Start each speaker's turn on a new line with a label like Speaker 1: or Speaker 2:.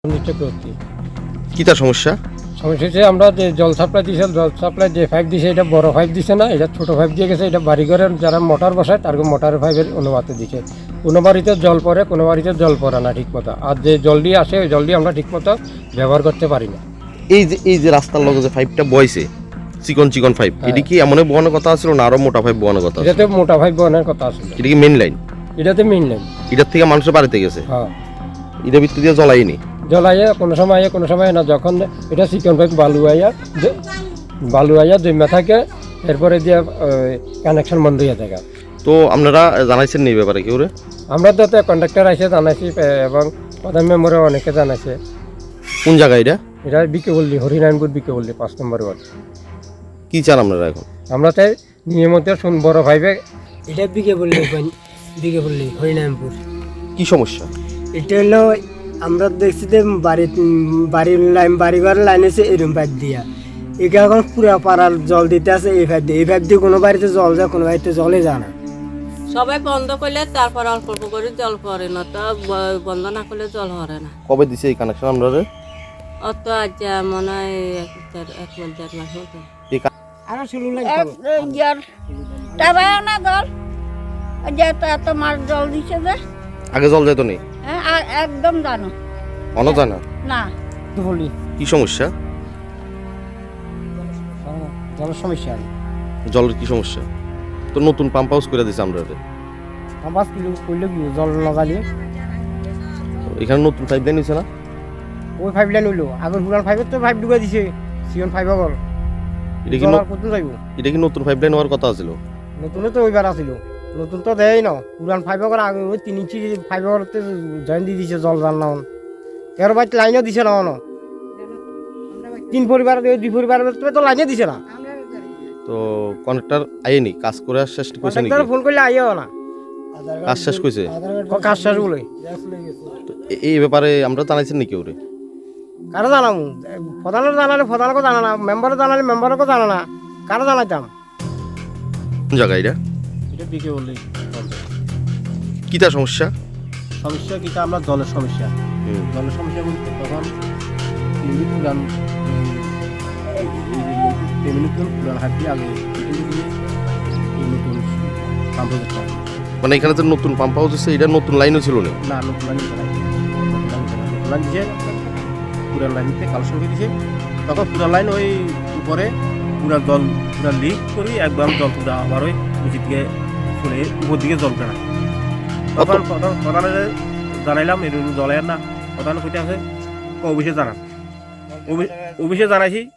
Speaker 1: চক্রবর্তী।
Speaker 2: কি তার সমস্যা?
Speaker 1: সমস্যা হচ্ছে আমরা যে জল সাপ্লাই দিয়েছে, জল সাপ্লাই যে পাইপ দিছে এটা বড় পাইপ দিছে না, এটা ছোট পাইপ দিয়ে গেছে। এটা বাড়িঘরের যারা মোটর বসায় তার মোটর পাইপের অনুপাতে দিছে। কোনো বাড়িতে জল পড়ে, কোনো বাড়িতে জল পড়ে না ঠিক মতো। আর যে জলটি আসে ওই জলটি আমরা ঠিক মতো ব্যবহার করতে পারি না।
Speaker 2: এই যে রাস্তার লগে যে পাইপটা বইছে, চিকন চিকন পাইপ, এটা কি এমন বহানোর কথা ছিল না আরো মোটা পাইপ বহানোর কথা?
Speaker 1: এটাতে মোটা পাইপ বহানোর কথা আছে।
Speaker 2: এটা কি মেইন লাইন?
Speaker 1: এটাতে মেইন লাইন।
Speaker 2: এটার থেকে মানুষের বাড়িতে গেছে।
Speaker 1: হ্যাঁ,
Speaker 2: এটা ভিতর দিয়ে জ্বলাইনি।
Speaker 1: জলাইয়া কোনো সময় আইয়া কোনো সময় না। যখন এটা চিকন পাইপ বালু আইয়া জমা থাকে, এরপরে দিয়ে কানেকশন বন্ধ হয়ে থাকে।
Speaker 2: তো আপনারা জানাইছেন এই ব্যাপারে কেউ?
Speaker 1: আমরা তো কন্ট্রাক্টর এসে জানাইছি এবং প্রধান মেম্বারও অনেকে জানাইছে।
Speaker 2: কোন জায়গায় এটা?
Speaker 1: এটা বিকেবল্লি, হরিনারায়ণপুর বিকেবল্লি 5 নম্বর ওয়ার্ড।
Speaker 2: কি চান আপনারা এখন?
Speaker 1: আমরা চাই নিয়মিত বড় ভাইবে।
Speaker 3: এটা বিকেবল্লি হরিনারায়ণপুর।
Speaker 2: কি সমস্যা?
Speaker 3: এটা হলো আমরা দেখছি যে বাড়িঘর লাইন আছে এরম পাইপ দিয়া। এটা এখন পুরা পাড়ার জল দিতে আছে এই পাইপ দিয়ে। এই পাইপ দিয়ে কোনো বাড়িতে জল যায়, কোনো বাড়িতে জলে যায় না।
Speaker 4: সবাই বন্ধ করলে তারপর অল্প অল্প করে জল পড়ে না, তো বন্ধ না করলে জল হরে না।
Speaker 2: কবে দিছে এই কানেকশন আপনারা?
Speaker 4: অত আজ মনে হয় 1-1.5 মাস মতো।
Speaker 3: আরো শুরু লাগে
Speaker 5: না জল এত মাছ জল দিছে যে
Speaker 2: আগে জল যেত নি?
Speaker 5: একদম জানো
Speaker 2: অন জানা
Speaker 5: না।
Speaker 3: বলি
Speaker 2: কি সমস্যা?
Speaker 3: জলের সমস্যা।
Speaker 2: জলের কি সমস্যা? তো নতুন পাম্প হাউস করে দিছে আমরা।
Speaker 3: আমার কিলো করলে কি জল লাগালিয়ে
Speaker 2: এখানে নতুন পাইপ লাইন হয়েছে না?
Speaker 3: ওই পাইপ লাইন হইলো আগের পুরান পাইপের তো পাইপ ঢুকে দিছে সিজন পাইপ আগর।
Speaker 2: এটা কি
Speaker 3: কত যাইব?
Speaker 2: এটা কি নতুন পাইপ লাইন হওয়ার কথা ছিল?
Speaker 3: নতুন তো ওইবার আসিল, নতুন তো দেয় না। পুরান ফাইভ আগর আগে ওই 3 ইঞ্চি ফাইভ আগরতে জয়েন দিয়ে দিছে জল জাল না। 13 বাইট লাইনও দিছে না। 3 পরিবার 2 পরিবার তো লাইনে দিছে না।
Speaker 2: তো কন্ট্রাক্টর আইনি কাজ করে শেষ কইছে নাকি?
Speaker 3: ফোন করলে আইও না,
Speaker 2: কাজ শেষ কইছে?
Speaker 3: কাজ শেষ বলে।
Speaker 2: তো এই ব্যাপারে আমরা জানাইছেন নাকি ওরে?
Speaker 3: কারো জানাম, প্রধানের জানালে প্রধানকে জানা না, মেম্বারও জানালে মেম্বারকে জানা না, কারো জানাইতাম।
Speaker 2: কোন জায়গা এটা?
Speaker 1: এটা বিকেবল্লি।
Speaker 2: কি তার সমস্যা?
Speaker 1: সমস্যা কিটা আমরা জলের সমস্যা। জলের সমস্যা বলতে তখন পুরান হাত দিয়ে আগে নতুন পাম্প
Speaker 2: মানে এখানে তো নতুন পাম্প হাউস আছে, এটা নতুন লাইনও ছিল না?
Speaker 1: না, নতুন লাইন লাইন দিয়েছে। পুরান লাইন দিতে কালেকশন করে দিয়েছে। তখন পুরান লাইন ওই উপরে পুরা জল পুরা লিক করি একদম জল পুরা আবার ওই নিচের দিকে চলে উপর দিকে জল কেনা। তখন প্রধানের জানাইলাম এরকম জল না। প্রধান কইতে আছে অফিসে জানান, অফিসে জানাইছি।